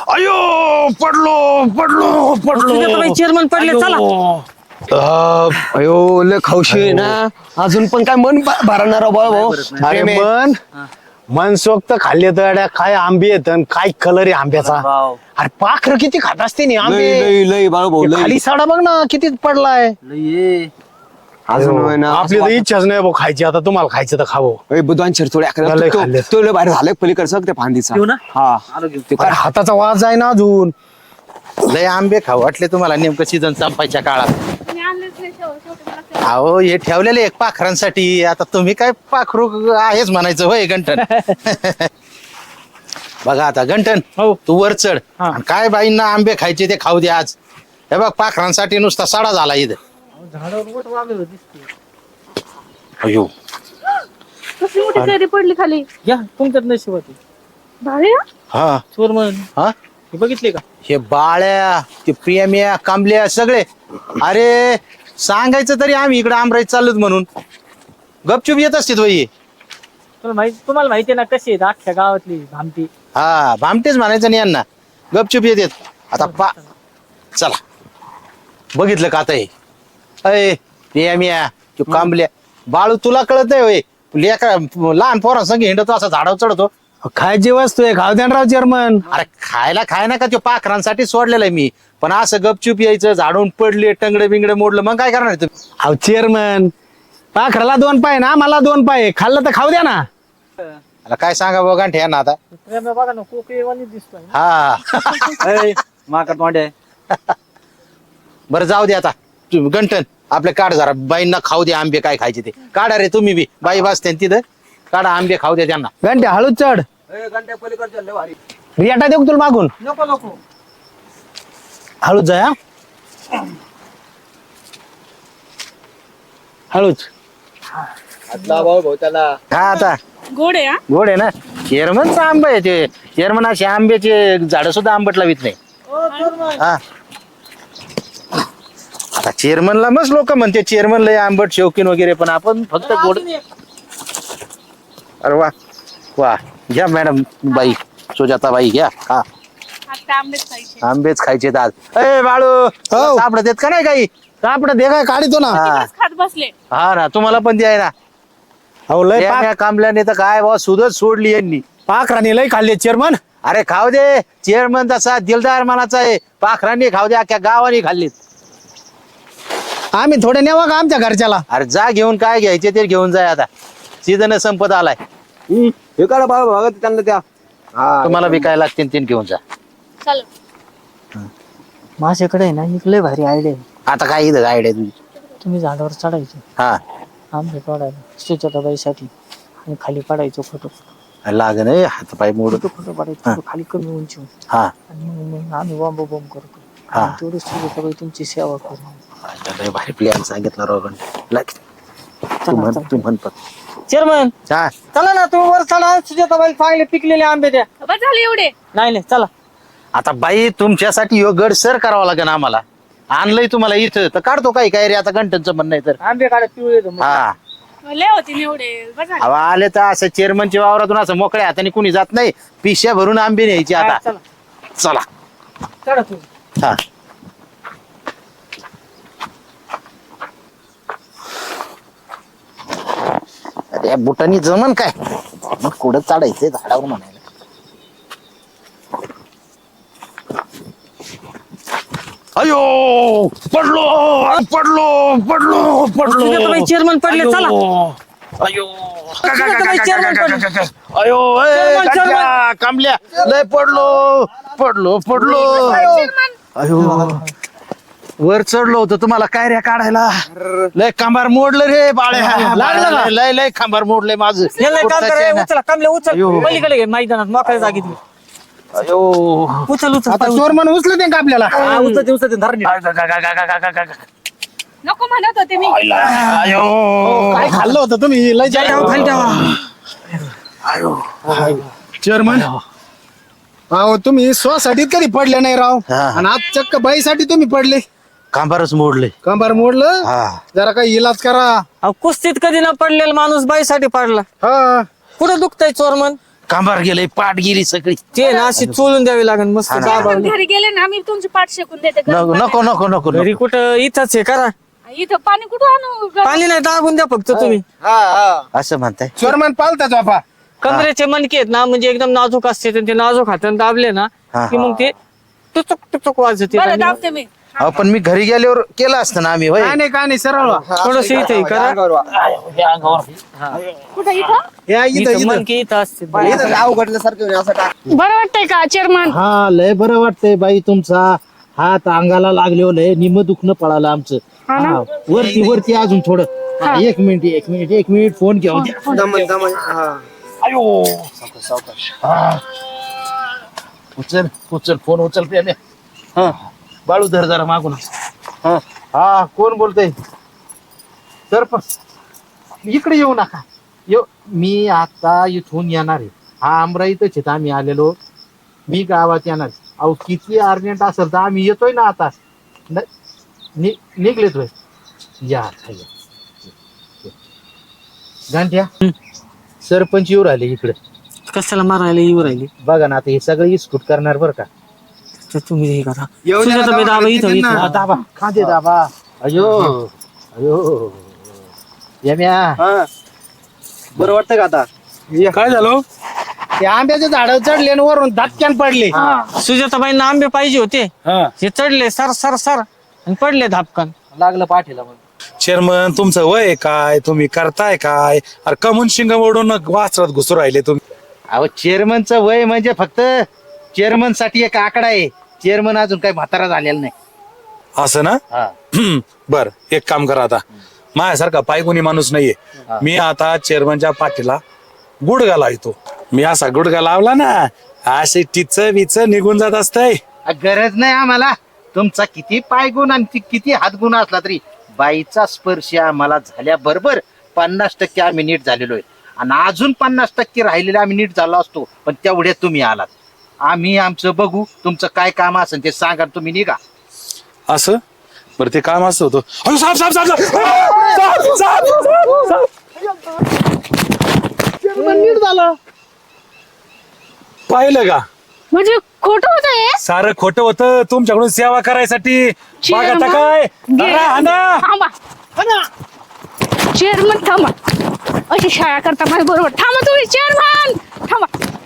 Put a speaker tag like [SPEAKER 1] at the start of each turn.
[SPEAKER 1] अयो पडलो पडलो पडलो.
[SPEAKER 2] चेअरमन पडले चला.
[SPEAKER 3] अयो लय खाऊशी आहे ना अजून पण काय मन भरणार भाऊ.
[SPEAKER 4] अरे मन सोक्त खाल्ले तर काय आंबे येत काय कलर आहे आंब्याचा. अरे पाखर किती खात असते ना आंबे.
[SPEAKER 3] लय लय बाळू भाऊ लय.
[SPEAKER 4] खाली साडा बघ ना किती पडलाय.
[SPEAKER 3] अजून होय ना
[SPEAKER 4] आपली तर इच्छाच नाही भाऊ खायची. आता तुम्हाला खायचं तर खावं.
[SPEAKER 3] बुधवान थोड्या
[SPEAKER 4] लय खाल्ले.
[SPEAKER 3] तो लय बाहेर झालं पलीकडचं त्या फांदीचा. हा ते
[SPEAKER 4] अरे हाताचा वाज आहे ना अजून.
[SPEAKER 1] लय आंबे खाऊ वाटले तुम्हाला नेमकं सीझन संपायच्या काळात. अहो हे ठेवलेले एक पाखरांसाठी. आता तुम्ही काय पाखरू आहेच म्हणायचं होय गंठन. बघा आता गंठन तू वर चढ आणि काय बाईंना आंबे खायचे ते खाऊ दे आज. हे बघ पाखरांसाठी नुसता साडा झाला इथं. अयो
[SPEAKER 5] कसली मोठी कैरी पडली खाली.
[SPEAKER 2] या तुमच्यात नशिबात
[SPEAKER 5] भारी हा?
[SPEAKER 1] हा
[SPEAKER 2] चोरमन
[SPEAKER 1] हा
[SPEAKER 2] हे बघितले का?
[SPEAKER 1] हे बाळ्या ते प्रेम्या कांबल्या सगळे. अरे सांगायचं तरी आम्ही इकडे आमराईत चाललोत म्हणून गपचूप येत असते वही.
[SPEAKER 2] तुम्हाला माहिती आहे ना कशी आहेत अख्ख्या गावातली भामटी.
[SPEAKER 1] हा भामटेच म्हणायचं नाही यांना. गपचूप येतात. आता चला बघितलं का आता हे अय प्रेम्या तू कांबल्या बाळू तुला कळत नाही होय. लेका लहान पोरांसंग हिंडतो असा झाडावर चढतो.
[SPEAKER 4] खायची वस्तू आहे खाऊ द्या राव चेअरमन.
[SPEAKER 1] अरे खाय ना का तो पाखरांसाठी सोडलेलं आहे मी. पण असं गपचूप यायचं झाडून पडले टंगडे बिंगडे मोडलं मग काय करणार तुम्ही.
[SPEAKER 4] अहो चेअरमन पाखराला 2 पाय ना मला 2 पाय खाल्लं तर खाऊ द्या ना.
[SPEAKER 1] मला काय सांगा बघा ठ्या ना आता.
[SPEAKER 2] प्रेम बघा ना कोकळीवाणी दिसतोय.
[SPEAKER 1] हा
[SPEAKER 3] माकड तोंडे.
[SPEAKER 1] बरं जाऊ दे आता. तुम्ही गंठन आपले काढ जरा बाईंना खाऊ दे आंबे काय खायचे ते काढा रे. तुम्ही बी बाई बसते तिथं काढा आंबे खाऊ दे त्यांना.
[SPEAKER 4] घंटे हळूच चढ. रियाटा देऊ का तुला मागून.
[SPEAKER 2] नको नको
[SPEAKER 4] हळूच जाय हा. हळूच.
[SPEAKER 1] हा आता
[SPEAKER 5] गोड आहे हा?
[SPEAKER 1] गोड आहे ना. चेअरमनचा आंबा आहे ते. चेअरमन असे आंब्याचे झाड सुद्धा आंबट लावित नाही. हा आता चेअरमनला मस्त लोक म्हणते चेअरमन लय आंबट शौकीन वगैरे पण आपण फक्त गोड. अरे वा वा घ्या मॅडम बाई सुजाताबाई घ्या. हा
[SPEAKER 5] आता आंबेच खायचे.
[SPEAKER 1] आंबेच खायचे आज. ए बाळू सापडत देत का नाही काही.
[SPEAKER 4] सापडा दे काय काढितो ना.
[SPEAKER 1] हा
[SPEAKER 5] खात बसले.
[SPEAKER 1] हा ना तुम्हाला पण द्याय ना.
[SPEAKER 4] अहो लय
[SPEAKER 1] या कांबल्याने तर काय बा सुधच सोडली यांनी.
[SPEAKER 4] पाखराने लय खाल्ले चेअरमन.
[SPEAKER 1] अरे खाऊ दे. चेअरमन तसा दिलदार मनाचा आहे. पाखरांनी खाऊ दे अख्ख्या गावाने खाल्लीत.
[SPEAKER 4] आम्ही थोडे नेवा का आमच्या घरच्याला.
[SPEAKER 1] अरे जा घेऊन काय घ्यायचे ते घेऊन जाय आता. सीझन संपत आलाय.
[SPEAKER 3] हे काढा बाळू बघा त्यांना त्या.
[SPEAKER 1] तुम्हाला बी काय लागतील ते घेऊन जा.
[SPEAKER 5] चल
[SPEAKER 2] माझ्याकडे आहे ना एक लय भारी आयडिया आहे.
[SPEAKER 1] आता काय इथं गाईड आहे तुझी.
[SPEAKER 2] तुम्ही झाडावर चढायचे
[SPEAKER 1] हा
[SPEAKER 2] आंबे तोडायला सुजाताबाईसाठी आणि खाली पाडायचो फोटो.
[SPEAKER 1] लागन हात पाय मोड.
[SPEAKER 2] फोटो पाडायचो खाली कमी उंची
[SPEAKER 1] हा
[SPEAKER 2] आणि मग आम्ही बॉम्ब बॉम्ब करतो.
[SPEAKER 1] हा.
[SPEAKER 2] आणि तेवढी सुजाताबाई तुमची सेवा करू.
[SPEAKER 1] लय भारी प्लॅन सांगितलं राव. तू म्हण पण.
[SPEAKER 2] चेअरमन
[SPEAKER 1] हा
[SPEAKER 2] चला ना तुम्ही वर चढा. सुजाताबाई चांगले पिकलेले आंबे द्या.
[SPEAKER 5] बस झाले एवढे.
[SPEAKER 2] नाही चला.
[SPEAKER 1] आता बाई तुमच्यासाठी ह्यो गड सर करावा लागेल आम्हाला. आणलंय तुम्हाला इथं तर काढतो काही काय रे आता गंटनचं म्हणणं आहे तर.
[SPEAKER 2] आंबे काढा पिवळे
[SPEAKER 1] हा
[SPEAKER 5] लय होते एवढे. बस झाले.
[SPEAKER 1] अहो आले तर असं चेअरमनच्या वावरातून असं मोकळ्या हाताने कुणी जात नाही. पिशव्या भरून आंबे न्यायचे आता.
[SPEAKER 2] चला
[SPEAKER 1] चला
[SPEAKER 2] चढा तुम्ही.
[SPEAKER 1] हा अरे बुटानी जमन काय मग कुठं चढायचंय झाडावर म्हणायला. अयो पडलो पडलो पडलो पडलो.
[SPEAKER 2] सुजाताबाई चेअरमन पडले चला.
[SPEAKER 1] अयो
[SPEAKER 2] सुजाताबाई चेअरमन पडले.
[SPEAKER 1] अयो
[SPEAKER 2] चेअरमन, चेअरमन.
[SPEAKER 1] कांबल्या लय पडलो पडलो पडलो. अयो वर चढलो होतो तुम्हाला काय रे काढायला. लय खांबार मोडलं रे बाळ्या. लागलं का? लय लय खांबार मोडलंय माझं.
[SPEAKER 2] याला एक काम करा,
[SPEAKER 1] पोटाच्या
[SPEAKER 2] उचला कांबल्या उचल
[SPEAKER 1] अयो.
[SPEAKER 2] पलीकडे घे मैदानात मोकळ्या जागेत घे.
[SPEAKER 1] अयो
[SPEAKER 2] उचल उचल
[SPEAKER 4] आता चोरमन उचलं दे का आपल्याला.
[SPEAKER 2] हा, उचल उचल धरणे.
[SPEAKER 5] नको म्हणत होते मी.
[SPEAKER 1] अयो
[SPEAKER 4] काय खाल्लं होतं तुम्ही लय
[SPEAKER 2] खाली ठेवा.
[SPEAKER 4] चेअरमन अहो तुम्ही स्वसाठी कधी पडले नाही राव.
[SPEAKER 1] हा.
[SPEAKER 4] आणि आज चक्क बाईसाठी तुम्ही पडले.
[SPEAKER 1] खांबारच मोडले.
[SPEAKER 4] कंबार मोडलं.
[SPEAKER 1] हा
[SPEAKER 4] जरा काही इलाज करा.
[SPEAKER 2] अहो, कुस्तीत कधी ना पडलेला माणूस बाईसाठी पडला.
[SPEAKER 4] हा
[SPEAKER 2] कुठं दुखतय चोरमन.
[SPEAKER 1] कांबार गेलंय, पाठ गेली सगळी.
[SPEAKER 2] ते ना अशी चोळून द्यावी लागेल मस्त
[SPEAKER 1] हा ना.
[SPEAKER 2] दाबावली.
[SPEAKER 5] घरी गेले ना आम्ही तुमची पाठ शेकून देते
[SPEAKER 1] नको नको नको नको
[SPEAKER 2] घरी कुठं इथंच आहे करा.
[SPEAKER 5] इथं पाणी कुठं आणू
[SPEAKER 2] पाणी नाही दाबून द्या फक्त तुम्ही.
[SPEAKER 1] असं म्हणताय.
[SPEAKER 4] चोरमन पालता झोपा.
[SPEAKER 2] कमरेचे मणके आहेत ना म्हणजे एकदम नाजूक असते ते नाजूक हाताने दाबले ना
[SPEAKER 1] हा.
[SPEAKER 2] की मग ते टुचुक टुचुक वाजते.
[SPEAKER 5] बरं दाबते मी.
[SPEAKER 1] अहो पण मी घरी गेल्यावर केलं असतं ना आम्ही. होय
[SPEAKER 4] काय नाही सरळ व्हा.
[SPEAKER 2] थोडस इथे करा.
[SPEAKER 5] कुठं इथं
[SPEAKER 4] या
[SPEAKER 2] इथं मणके इथं असते.
[SPEAKER 5] बरं वाटतंय का चेअरमन?
[SPEAKER 1] हा लय बरं वाटतंय बाई तुमचा हात अंगाला लागले लय निम दुखणं पळालं आमचं. हा, वरती वरती अजून थोडं. हा, एक मिनिट फोन घेऊ द्या. उचल फोन उचल प्रेम. हा बाळू धर जरा मागून. हा कोण बोलतय? सरपंच इकडे येऊ नका. मी आता इथून येणार आहे. हा अमराईतच आहेत आम्ही आलेलो. मी गावात येणार. अहो किती अर्जंट असेल तर आम्ही येतोय ना आता. निघलेतोय. या गांठ्या सरपंच येऊ राहिले इकडे.
[SPEAKER 2] कशाला मारायला येऊ राहिली?
[SPEAKER 1] बघा ना आता हे सगळं इस्कूट करणार बरं का.
[SPEAKER 2] तर तुम्ही हे करा. सुजाताबाई दाबा इथं इथं.
[SPEAKER 1] हा, दाबा खांदे दाबा. अयो अयो यम्या
[SPEAKER 3] बरं वाटतं का आता?
[SPEAKER 4] काय झालं? ते आंब्याचे झाड चढले आणि वरून धक्क्यान पडले.
[SPEAKER 2] सुजाताबाईंना आंबे पाहिजे होते. हे चढले सर सर सर आणि पडले धापकन.
[SPEAKER 3] लागलं पाठीला मग.
[SPEAKER 6] चेअरमन तुमचं वय काय, तुम्ही करताय काय? अरे कमून शिंग ओढून वाचरात घुसू राहिले तुम्ही.
[SPEAKER 1] अहो चेअरमनचं वय म्हणजे फक्त चेअरमन साठी एक आकडा आहे. चेअरमन अजून काही म्हातारा झालेला नाही.
[SPEAKER 6] असं ना?
[SPEAKER 1] हा.
[SPEAKER 6] बर एक काम करा आता. माझ्यासारखा पायगुणी माणूस नाहीये. मी आता चेअरमनच्या पाठीला गुडघा लावतो. मी असा गुडघा लावला ना असे टिच विच निघून जात असतंय.
[SPEAKER 1] गरज नाही आम्हाला. तुमचा किती पायगुण आणि किती हातगुण असला तरी बाईचा स्पर्श आम्हाला झाल्याबरोबर 50% आम्ही नीट झालेलो आहे. आणि अजून 50% राहिलेले आम्ही नीट झालो असतो. पण तेवढ्यात तुम्ही आलात. आम्ही आमचं बघू. तुमचं काय काम असेल ते सांगा. तुम्ही निघा.
[SPEAKER 6] असं बरं ते काम असं होतं. अरे साप साप साप साप! साप, साप, साप, साप!
[SPEAKER 1] नीट झालं.
[SPEAKER 6] पाहिलं का?
[SPEAKER 5] म्हणजे खोटं होतं हे?
[SPEAKER 6] सारं खोटं होतं तुमच्याकडून सेवा करायसाठी. बघा आता काय
[SPEAKER 5] थांबा चेअरमन थांबा. अशी शाळा करता माझ्या बरोबर. थांबा तुम्ही चेअरमन थांबा.